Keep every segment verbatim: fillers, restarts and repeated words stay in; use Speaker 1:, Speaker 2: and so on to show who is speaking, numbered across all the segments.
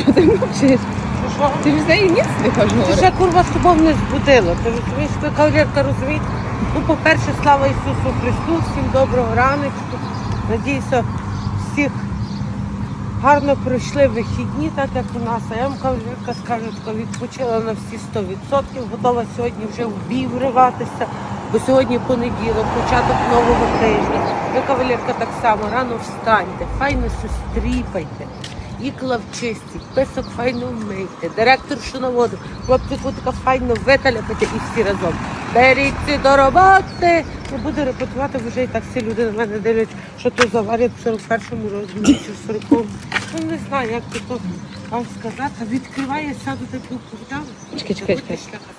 Speaker 1: Що ти мовчиш?
Speaker 2: Що?
Speaker 1: Ти ж з нею ніц не хочеш
Speaker 2: Ти
Speaker 1: говорити.
Speaker 2: ще, курва, з тобою не збудила. Ти розумієш, ви кавалерка, розумієте? Ну, по-перше, слава Ісусу Христу, всім доброго раночку. Надіюся, всіх гарно пройшли вихідні, так як у нас. А я вам, кавалерка, скажу, що відпочила на всі сто відсотків. Готова сьогодні вже в бій вриватися, бо сьогодні понеділок, початок нового тижня. Ви, кавалерка, так само рано встаньте, файно стріпайте. Ікла вчистіть, писок файно вмийте, директоршу на воду, хлопчику така файно виталяпити і всі разом. Беріться до роботи! Не буду репетувати, бо вже і так всі люди на мене дивлять, що то заварять в сорок першому розмірі чи в сороковому. Ну не знаю, як то вам сказати. Відкриває, сяду таку повідав.
Speaker 1: Чекай, чекай, чекай.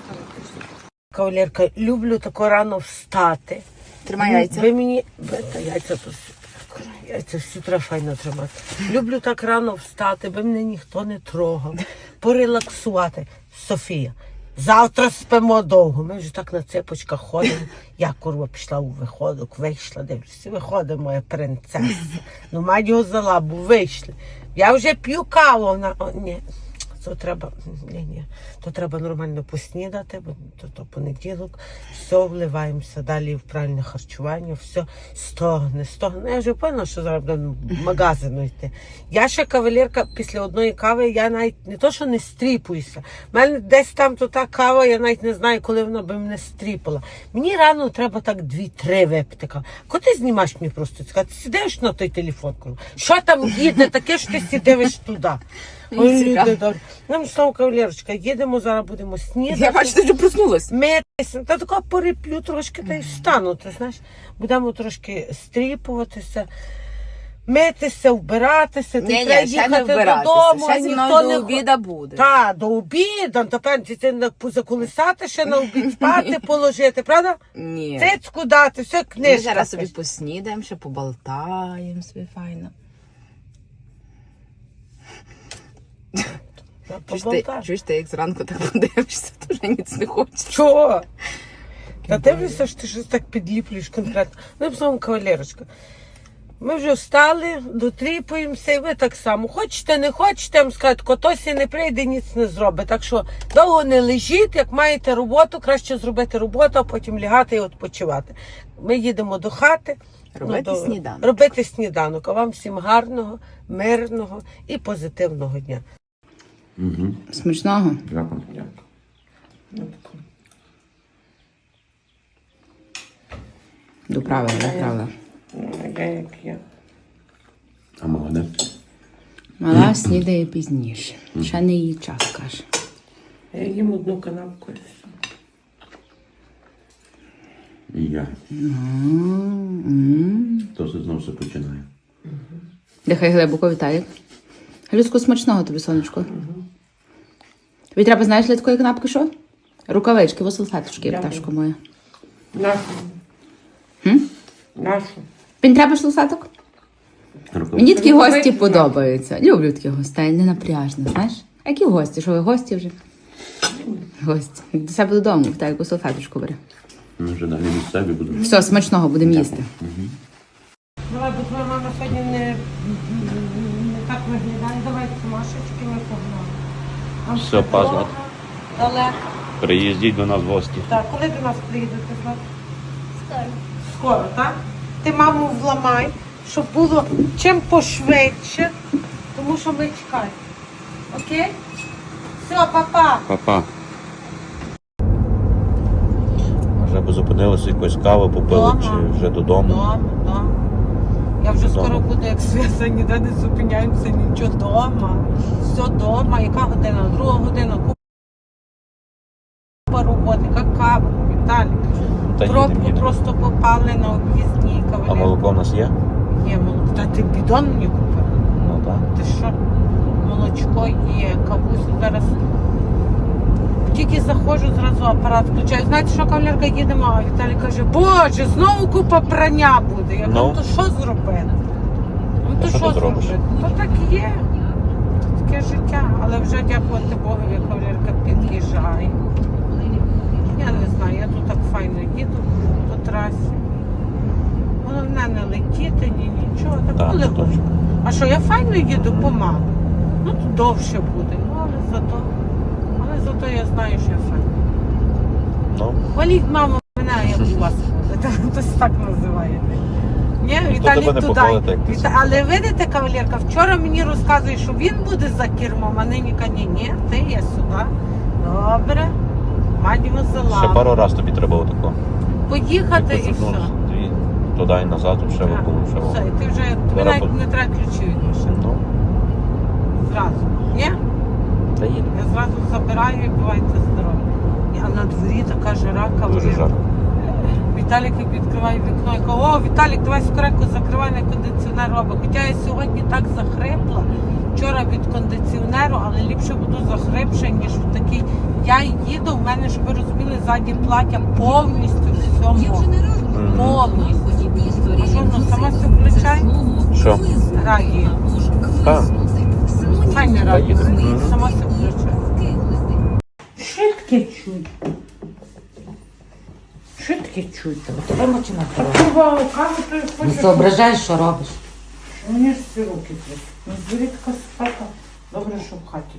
Speaker 2: Кавалерка, люблю тако рано встати.
Speaker 1: Тримай яйця.
Speaker 2: Ви мені... Ви, та яйця тут. Яйця всі треба файно тримати. Люблю так рано встати, би мене ніхто не трогав. Порелаксувати. Софія, завтра спимо довго. Ми вже так на цепочках ходимо. Я, курва, пішла у виходок, вийшла, дивлюся, виходить моя принцеса. Ну, мать його за лабу, вийшли. Я вже п'ю каву. Вона... О, ні, то треба, ні, ні, то треба нормально поснідати, бо то, то понеділок. Все, вливаємося далі в правильне харчування, все стогне, стогне. Я вже певно, що зараз будемо в магазину йти. Я ще, кавалерка, після одної кави, я навіть не то, що не стріпуюся. У мене десь там то та кава, я навіть не знаю, коли вона би мене стріпала. Мені рано треба так дві-три випити кави. Коли ти знімаєш мені просто сказати, ти сидиш на той телефон, кажу, що там їде таке, що ти сидиш туди. Ой, люди добрі. Нам слово, кавалерочка, їдемо, зараз будемо снідати.
Speaker 1: Я бачу, ти вже проснулась.
Speaker 2: Митися, та тако переплю трошки та й встану, ти знаєш. Будемо трошки стріпуватися, митися, вбиратися. Ти
Speaker 1: Ні,
Speaker 2: треба
Speaker 1: ні, ще не
Speaker 2: їхати
Speaker 1: вбиратися.
Speaker 2: додому,
Speaker 1: Ще
Speaker 2: а
Speaker 1: зі
Speaker 2: ніхто
Speaker 1: мною
Speaker 2: не
Speaker 1: до обіда буде.
Speaker 2: Так, до обіду, то певно, ти на заколисати ще на обід спати, положити, правда?
Speaker 1: Ні.
Speaker 2: Цицьку дати, все,
Speaker 1: Ми
Speaker 2: книжка.
Speaker 1: зараз собі
Speaker 2: пише.
Speaker 1: поснідаємо, ще поболтаємо собі файно.
Speaker 2: Та
Speaker 1: Чуєш ти,
Speaker 2: поболтаєш.
Speaker 1: чуєш ти, як зранку так подивишся, то вже ніц не хочеш.
Speaker 2: Чого? Та дивишся, що ти щось так підліплюєш конкретно. Ну, словом, кавалерочка. Ми вже встали, дотріпуємося, і ви так само. Хочете, не хочете, вам сказати, котосі не прийде, ніц не зробить. Так що довго не лежіть, як маєте роботу, краще зробити роботу, а потім лягати і відпочивати. Ми їдемо до хати.
Speaker 1: Робити
Speaker 2: ну, до...
Speaker 1: сніданок.
Speaker 2: Робити сніданок. А вам всім гарного, мирного і позитивного дня.
Speaker 3: Угу.
Speaker 1: Смачного?
Speaker 3: Дякую. Дякую.
Speaker 1: Доправила, доправила.
Speaker 2: Я як я.
Speaker 3: А молоде?
Speaker 1: Мала снідає пізніше. Ще не її час, каже.
Speaker 2: Я їм одну канапку.
Speaker 3: І я.
Speaker 1: М-м.
Speaker 3: То все знову все починає.
Speaker 1: Дихай глибоко, Віталік. Людську смачного тобі, сонечко. Тобі треба, знаєш, для такої канапки що? Рукавички, восалфеточки,
Speaker 2: Дякую.
Speaker 1: пташко моя.
Speaker 2: Нашу.
Speaker 1: Хм?
Speaker 2: Нашу.
Speaker 1: Він треба шлусаток? Мені такі гості подобаються. Люблю такі гостей, не напряжно, знаєш? А які гості? Що ви гості вже? Гості. Як до себе додому, в таку салфеточку бери.
Speaker 3: Ми вже далі від себе будемо.
Speaker 1: Все, смачного будемо їсти.
Speaker 2: Давай, бо твоя мама сьогодні не, не так виглядає. Давай машечки, ми погнали. Нам
Speaker 3: Все,
Speaker 2: ще
Speaker 3: пазла.
Speaker 2: дорога далеко.
Speaker 3: Приїздіть до нас в гості.
Speaker 2: Так, коли до нас приїдете? Скоро. Скоро, так? Ти маму вламай, щоб було чим пошвидше, тому що ми чекаємо. Окей? Все, па-па.
Speaker 3: Па-па. Може би зупинилися якусь каву попили,
Speaker 2: Дома.
Speaker 3: чи вже додому.
Speaker 2: Дома, дома. Я вже
Speaker 3: Дома.
Speaker 2: скоро буду, як свята, ніде не зупиняємося, нічого дома. Все дома. Яка година? Друга година. Купа роботи, какао, Віталій.
Speaker 3: Та
Speaker 2: Пробку
Speaker 3: їдемо, їдемо.
Speaker 2: просто попали на об'їзній
Speaker 3: А
Speaker 2: кавалері.
Speaker 3: молоко в нас є?
Speaker 2: Є молоко. Та ти бідон мені купив.
Speaker 3: Ну так.
Speaker 2: Ти що? Молочко є, кавусю зараз. Тільки заходжу, зразу апарат включаю. Знаєте, що, кавалерка, їдемо, а Віталій каже, боже, знову купа прання буде. Я кажу,
Speaker 3: Ну.
Speaker 2: то що зробити? Ну то
Speaker 3: що
Speaker 2: що
Speaker 3: ти зробиш?
Speaker 2: зробити? То так є. Таке життя. Але вже, дякувати Богу, кавалерка під'їжджає. Я не знаю, я тут так файно їду по трасі. Головне не летіти, ні нічого. Так
Speaker 3: Так,
Speaker 2: коли
Speaker 3: точно.
Speaker 2: хочу. А що, я файно їду помалу. Ну, тут довше буде, ну, але зато, але зато я знаю, що я файна.
Speaker 3: Ну,
Speaker 2: Валіть, мамо, мене, як у вас ходить. Хтось так називає. Ні, Віталій
Speaker 3: тебе не
Speaker 2: туди.
Speaker 3: похвалить, як ти
Speaker 2: Віта-
Speaker 3: сам.
Speaker 2: Але видите, кавалерка, вчора мені розказує, що він буде за кермом, а нині каже, ні, ні, ти є сюди. Добре. Мадімо
Speaker 3: ще
Speaker 2: села.
Speaker 3: пару разів тобі треба отако.
Speaker 2: Поїхати і все.
Speaker 3: Дві, туди і назад, ще
Speaker 2: Так,
Speaker 3: вокруг, ще
Speaker 2: все,
Speaker 3: вокруг.
Speaker 2: і ти вже, тобі
Speaker 3: Зараз
Speaker 2: навіть
Speaker 3: по-
Speaker 2: не треба ключів від машини.
Speaker 3: Ну,
Speaker 2: Зразу. Ні?
Speaker 3: та їде.
Speaker 2: Я зразу забираю і бувайте здорові. А на дворі така жара,
Speaker 3: Дуже
Speaker 2: кавалерка.
Speaker 3: жарко.
Speaker 2: Віталік як відкриває вікно і каже, о, Віталік, давай скоренько закривай, на кондиціонер робить. Хоча я сьогодні так захрипла, вчора від кондиціонеру, але ліпше буду захрипша, ніж в такий. Я їду, в мене, щоб ви розуміли, ззаді плаття повністю всьому. Повністю. А що воно сама все включає?
Speaker 3: Що?
Speaker 2: Радіо.
Speaker 3: Так.
Speaker 2: Файне радіо.
Speaker 3: Та їде. Мгм.
Speaker 2: Сама все включає. Що я таке чую? Що я таке чую?
Speaker 1: Тебе мочі
Speaker 2: А
Speaker 1: на
Speaker 2: ти каву, то я
Speaker 1: Не
Speaker 2: хочу.
Speaker 1: соображаєш, що робиш.
Speaker 2: Мені ж всі руки трясуть. На дворі така спека. Добре, що в хаті.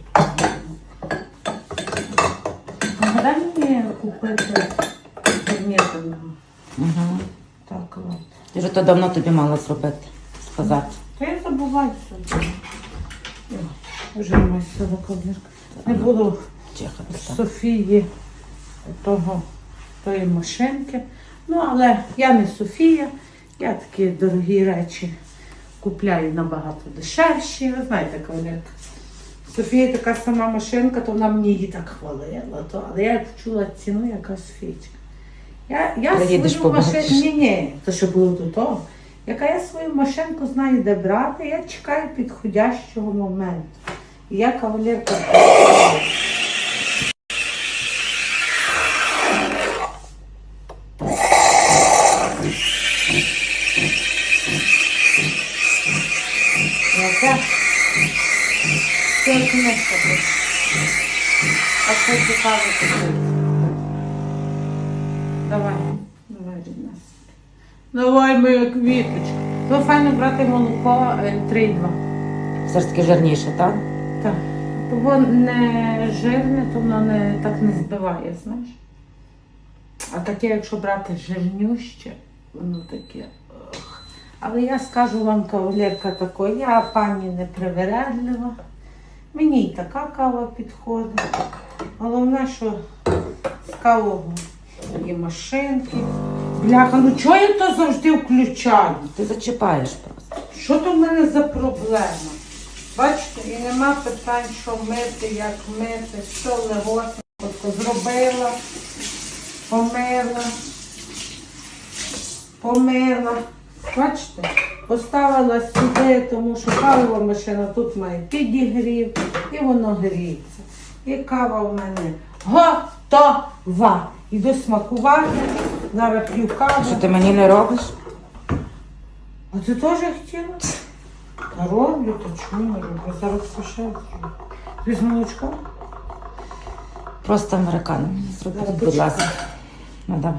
Speaker 2: Нагадай мені купити інтернетного.
Speaker 1: Угу.
Speaker 2: Так, от.
Speaker 1: Ти вже то давно тобі мала зробити, сказати.
Speaker 2: Та я забуваю собі. Вже моя сила кавалерка. Не було
Speaker 1: Чихати
Speaker 2: в
Speaker 1: там.
Speaker 2: Софії того, тої машинки. Ну, але я не Софія. Я такі дорогі речі купляю набагато дешевші. Ви знаєте, кавалерка. Софія така сама машинка, то вона мені її так хвалила. То, але я як чула ціну, яка Софійчка. Я, я
Speaker 1: Приїдеш,
Speaker 2: свою машинку,
Speaker 1: побачиш.
Speaker 2: ні, ні, то що було до того. Яка я свою машинку знаю, де брати, я чекаю підходящого моменту. І я кавалерка. Яка? Це книжка. А що цікаво тут? Давай, давай від нас. Давай, моя квіточка. То файно брати молоко е, три і два.
Speaker 1: Все ж таки жирніше, так?
Speaker 2: Так. То воно не жирне, то воно не, так не збиває, знаєш. А таке, якщо брати жирнюще, воно таке. Ох. Але я скажу вам, кавалерка, тако, я пані непривередлива. Мені і така кава підходить. Головне, що з кавого є машинки. Бляха, ну чого я то завжди включаю?
Speaker 1: Ти зачіпаєш просто.
Speaker 2: Що то в мене за проблема? Бачите, і нема питань, що мити, як мити, все леготно зробила, помила, помила. Бачите, поставила сюди, тому що кавова машина тут має підігрів і воно гріється. І кава в мене готова. Іду смакувати, зараз п'ю каву.
Speaker 1: Що ти мені не робиш?
Speaker 2: А ти теж хотіла? Та роблю, то чому не роблю? Зараз ще з молочка?
Speaker 1: Просто американо мені зробити,
Speaker 2: Зараз
Speaker 1: будь
Speaker 2: почекай.
Speaker 1: ласка. Ну давай.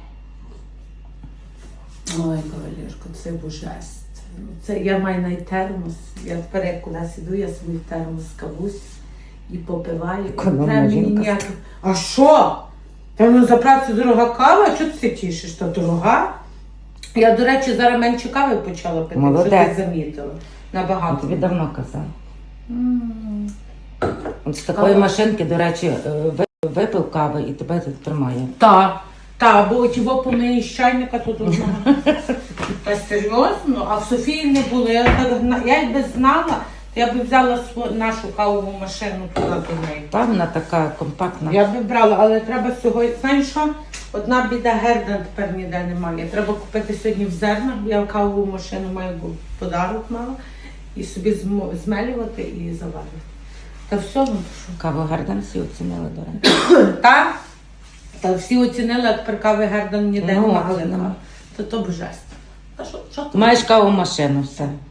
Speaker 2: Ой, кавалерко, це божественно. Це я маю навіть термос. Я тепер як кудись іду, я собі в термос кавусь і попиваю. І
Speaker 1: Економна
Speaker 2: треба мені
Speaker 1: жінка.
Speaker 2: ніяких- А що? Та ну за працю дорога кава, чого ти тішиш? Та дорога? Я, до речі, зараз менше кави почала пити,
Speaker 1: Молодець.
Speaker 2: що ти замітила.
Speaker 1: Я
Speaker 2: Набагато.
Speaker 1: тобі давно казав.
Speaker 2: М.
Speaker 1: От з такої
Speaker 2: Кава.
Speaker 1: машинки, до речі, е, ви- випив кави і тебе тут тримає.
Speaker 2: Та, та, бо його помиє з чайника тут одного. Та серйозно? А в Софії не було. Я, так, гна- я якби знала, то я б взяла сво- нашу кавову машину туди до неї.
Speaker 1: Та вона така компактна.
Speaker 2: Я б брала, але треба сьогодні. Знаєш що? Одна біда Гердан тепер ніде немає. Треба купити сьогодні в зернах, бо я кавову машину маю, бо подарок мала. І собі змо- змелювати і заварювати. Та все, ну що.
Speaker 1: Каву Гарден всі оцінили, до речі.
Speaker 2: Та? Та всі оцінили, а тепер кави Гердан ніде
Speaker 1: Ну,
Speaker 2: немає.
Speaker 1: але нема.
Speaker 2: То то божество. Та що, що ти?
Speaker 1: Маєш каву машину, все.